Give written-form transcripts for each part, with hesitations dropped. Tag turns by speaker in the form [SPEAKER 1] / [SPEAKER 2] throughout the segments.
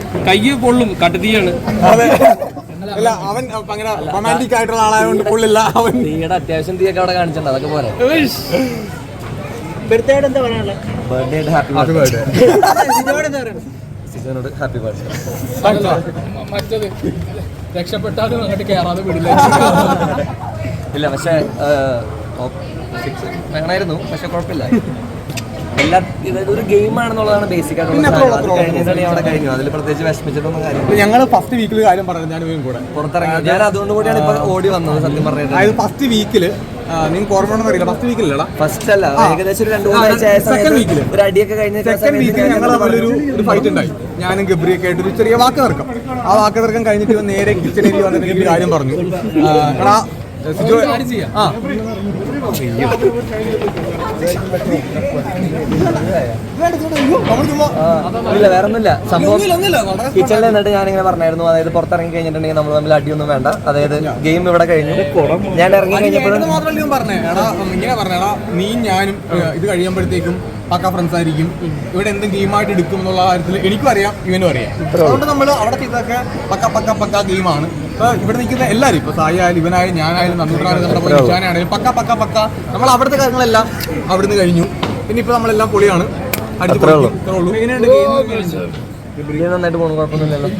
[SPEAKER 1] കയ്യ് പൊള്ളും, കട്ടുതീയാണ്.
[SPEAKER 2] അല്ല, അവൻ അങ്ങനെ റൊമാൻറ്റിക് ആയിട്ടുള്ള ആളായതുകൊണ്ട് പൊള്ളില്ല. അവൻ
[SPEAKER 3] തീയുടെ അത്യാവശ്യം തീയൊക്കെ അവിടെ കാണിച്ചിട്ടുണ്ട്, അതൊക്കെ പോലെ.
[SPEAKER 4] ബർത്ത്ഡേ എന്താ പറയാനുള്ളത്?
[SPEAKER 3] Birthday happy birthday. സിജോനോട് ഹാപ്പി ബർത്ത്ഡേ.
[SPEAKER 1] മറ്റത് രക്ഷപ്പെട്ടാലും അങ്ങോട്ട് കയറാതെ വിടില്ല.
[SPEAKER 3] ഇല്ല, പക്ഷേ വേണമായിരുന്നു, പക്ഷെ കുഴപ്പമില്ല. എല്ലാ ഇതൊരു ഗെയിമാണെന്നുള്ളതാണ് ബേസിക് ആയിട്ടുള്ള. അത് കഴിഞ്ഞിട്ടാണ് അവിടെ കഴിഞ്ഞു. അതിൽ പ്രത്യേകിച്ച് വിഷമിച്ചിട്ടൊന്നും കാര്യമില്ല.
[SPEAKER 2] ഞങ്ങൾ ഫസ്റ്റ് വീക്കിൽ കാര്യം പറഞ്ഞു, ഞാൻ കൂടെ
[SPEAKER 3] പുറത്തിറങ്ങി. ഞാൻ അതുകൊണ്ട് കൂടിയാണ് ഇപ്പൊ ഓടി വന്നത് സത്യം പറഞ്ഞത്.
[SPEAKER 2] അതായത് ഫസ്റ്റ് വീക്കില് നിങ്ങൾക്ക് ഓർമ്മ അറിയില്ല, ഫസ്റ്റ് വീക്കിലല്ല,
[SPEAKER 3] ഫസ്റ്റ് അല്ല, ഏകദേശം ഒരു 2-3 ആഴ്ച ഒരു അടിയൊക്കെ കഴിഞ്ഞ
[SPEAKER 2] സെക്കൻഡ് വീക്കിൽ ഞങ്ങൾ തമ്മിലൊരു ഫൈറ്റ് ഉണ്ടായി. ഞാനും ഗബ്രിയൊക്കെ ആയിട്ട് ഒരു ചെറിയ വാക്ക് തർക്കം. ആ വാക്ക് തർക്കം കഴിഞ്ഞിട്ട് നേരെ കിച്ചണിൽ വന്നിട്ട് എനിക്ക് കാര്യം പറഞ്ഞു. എടാ സിജോ,
[SPEAKER 3] ഇല്ല, വേറെ ഒന്നുമില്ല. സംഭവം കിച്ചണിൽ നിന്നിട്ട് ഞാനിങ്ങനെ പറഞ്ഞായിരുന്നു, അതായത് പുറത്തിറങ്ങി കഴിഞ്ഞിട്ടുണ്ടെങ്കിൽ നമ്മൾ തമ്മിൽ അടിയൊന്നും വേണ്ട. അതായത് ഗെയിം ഇവിടെ കഴിഞ്ഞു. ഞാൻ ഇറങ്ങി കഴിഞ്ഞപ്പോഴും
[SPEAKER 2] മാത്രമല്ല പറഞ്ഞേ, എടാ ഇങ്ങനെ പറഞ്ഞേടാ, നീ ഞാനും ഇത് കഴിയുമ്പോഴത്തേക്കും പക്ക ഫ്രണ്ട്സ് ആയിരിക്കും. ഇവിടെ എന്തും ഗെയിമായിട്ട് എടുക്കും എന്നുള്ള കാര്യത്തിൽ എനിക്കും അറിയാം, ഇവനും അറിയാം. അതുകൊണ്ട് നമ്മൾ അവിടെ ചെയ്തൊക്കെ പക്ക ഗെയിമാണ്. ഇപ്പൊ ഇവിടെ നിൽക്കുന്ന എല്ലാവരും, ഇപ്പൊ സായി ആയാലും ഇവനായാലും ഞാനായാലും നന്ദിയാണെങ്കിലും പക്ക നമ്മൾ അവിടുത്തെ കാര്യങ്ങളെല്ലാം അവിടുന്ന് കഴിഞ്ഞു. പിന്നെ ഇപ്പൊ നമ്മളെല്ലാം പൊളിയാണ്.
[SPEAKER 3] നന്നായിട്ട് പോകണം, കുഴപ്പമൊന്നുമില്ലല്ലോ.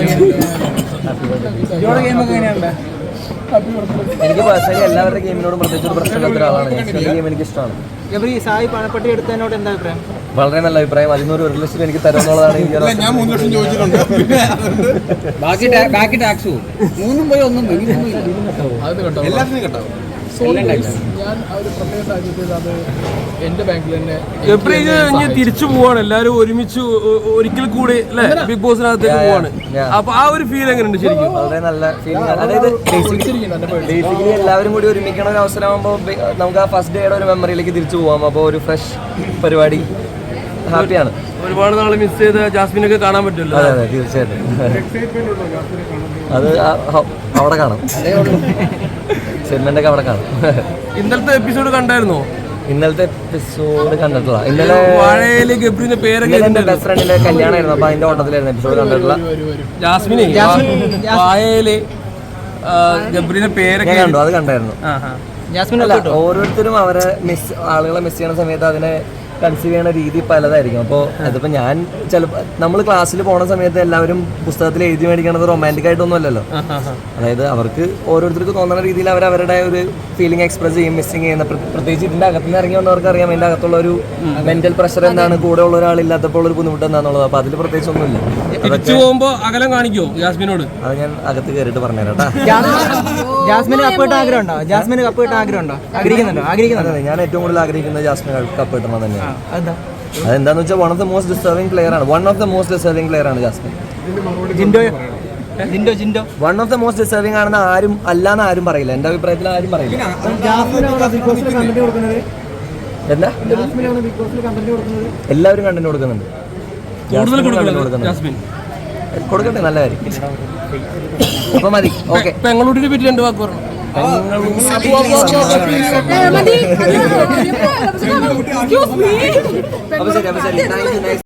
[SPEAKER 3] എനിക്ക് പേഴ്സണലി എല്ലാവരുടെ ഗെയിമിനോടും പ്രത്യേകിച്ച് ഒരു പ്രശ്നമില്ലാത്ത ഒരാളാണ് ഞാൻ. ഗെയിം എനിക്ക് ഇഷ്ടമാണ്.
[SPEAKER 4] സായി പണപ്പെട്ടി എടുത്തതിനോട് എന്താ അഭിപ്രായം?
[SPEAKER 3] വളരെ നല്ല അഭിപ്രായം. അതിനൊരു 1 ലക്ഷം എനിക്ക് തരുമെന്നുള്ളതാണ് എനിക്ക്.
[SPEAKER 2] ഞാൻ 3 ലക്ഷം ചോദിച്ചിട്ടുണ്ട്.
[SPEAKER 1] ബാക്കി ടാക്സ് പോകും. 3 പോയി 1 പോയി.
[SPEAKER 2] എല്ലാത്തിനും കേട്ടാവും.
[SPEAKER 1] ഞാൻ ഒരു പ്രത്യേക സാഹചര്യത്തിൽ അത് എന്റെ ബാങ്കിൽ തന്നെ
[SPEAKER 5] തിരിച്ചു പോവാണ്. എല്ലാവരും ഒരുമിച്ച് ഒരിക്കൽ കൂടി അല്ലെ ബിഗ് ബോസിനകത്തേക്ക് പോവാണ്. അപ്പൊ ആ ഒരു ഫീൽ എങ്ങനെയുണ്ട് ശരിക്കും?
[SPEAKER 3] വളരെ നല്ല ഫീലിംഗ്. അതായത് ബേസിക്കലി എല്ലാവരും കൂടി ഒരുമിക്കണ ഒരു അവസരമാകുമ്പോൾ നമുക്ക് ആ ഫസ്റ്റ് ഡേയുടെ ഒരു മെമ്മറിയിലേക്ക് തിരിച്ചു പോവാം. അപ്പോൾ ഒരു ഫ്രഷ് പരിപാടി, ഹാപ്പിയാണ്.
[SPEAKER 5] ഒരുപാട് നാളെ മിസ് ചെയ്ത ജാസ്മിനൊക്കെ കാണാൻ പറ്റുമല്ലോ.
[SPEAKER 3] അതെ അതെ, തീർച്ചയായിട്ടും. അത് അവിടെ കാണാം, സെഗ്മെന്റ് ഒക്കെ അവിടെ കാണാം.
[SPEAKER 5] ഇന്നലത്തെ എപ്പിസോഡ് കണ്ടായിരുന്നോ?
[SPEAKER 3] ഇന്നലത്തെ എപ്പിസോഡ് കണ്ടിട്ടില്ല. ഇന്നലെ
[SPEAKER 5] ഗബ്രിന്റെ പേരൊക്കെ
[SPEAKER 3] എന്റെ ബെസ്റ്റ് ഫ്രണ്ടിന്റെ കല്യാണമായിരുന്നു, അപ്പൊ അതിന്റെ ഓട്ടത്തിലായിരുന്നു എപ്പിസോഡ് കണ്ടിട്ടില്ല.
[SPEAKER 5] ജാസ്മിനെ ഗബ്രിന്റെ പേരൊക്കെ
[SPEAKER 3] കണ്ടു, അത് കണ്ടായിരുന്നു. ഓരോരുത്തരും അവരെ ആളുകളെ മിസ് ചെയ്യുന്ന സമയത്ത് അതിനെ കൺസീവ് ചെയ്യുന്ന രീതി പലതായിരിക്കും. അപ്പോൾ അതിപ്പോൾ ഞാൻ ചിലപ്പോൾ നമ്മൾ ക്ലാസ്സിൽ പോണ സമയത്ത് എല്ലാവരും പുസ്തകത്തിൽ എഴുതി മേടിക്കണത് റൊമാൻറ്റിക് ആയിട്ടൊന്നും അല്ലല്ലോ. അതായത് അവർക്ക് ഓരോരുത്തർക്ക് തോന്നുന്ന രീതിയിൽ അവർ അവരുടെ ഒരു ഫീലിംഗ് എക്സ്പ്രസ് ചെയ്യും, മിസ്സിങ് ചെയ്യുന്ന. പ്രത്യേകിച്ച് ഇതിൻ്റെ അകത്തുനിന്ന് ഇറങ്ങി വന്നവർക്ക് അറിയാം ഇതിൻ്റെ അകത്തുള്ള ഒരു മെന്റൽ പ്രഷർ എന്താണ്, കൂടെ ഉള്ള ഒരാളില്ലാത്തപ്പോൾ ഒരു ബുദ്ധിമുട്ട് എന്താണെന്നുള്ളത്. അപ്പോൾ അതിൽ പ്രത്യേകിച്ചൊന്നുമില്ല.
[SPEAKER 5] തിരിച്ചു പോകുമ്പോൾ അകലം കാണിക്കോ ജാസ്മിനോട്?
[SPEAKER 3] അത് ഞാൻ അകത്ത് കയറിയിട്ട് പറഞ്ഞുതരാം കേട്ടോ.
[SPEAKER 4] ജാസ്മിന് കപ്പ് കിട്ടാൻ ആഗ്രഹമുണ്ടോ? ജാസ്മിന് കപ്പ് കിട്ടാൻ ആഗ്രഹമുണ്ടോ? ആഗ്രഹിക്കുന്നുണ്ടോ?
[SPEAKER 3] ഞാൻ ഏറ്റവും കൂടുതൽ ആഗ്രഹിക്കുന്നത് ജാസ്മിന് കപ്പ് കിട്ടണം തന്നെയാണ്. അതെന്താന്ന് വെച്ചാൽ one of the most deserving player ആണ് Jasmine. One of the most deserving ആണെന്ന് ആരും അല്ലാന്ന് ആരും പറയില്ല. എന്റെ അഭിപ്രായത്തിൽ ആരും പറയില്ല. എന്താ എല്ലാവരും കണ്ടന്റ് കൊടുക്കുന്നുണ്ട്. കൊടുക്കട്ടെ, നല്ല കാര്യം. അപ്പൊ മതി. ഓക്കെ,
[SPEAKER 5] പെങ്ങളൂട്ടിനെ പറ്റി 2 വാക്ക് പറഞ്ഞു.
[SPEAKER 3] അപ്പൊ ശരി.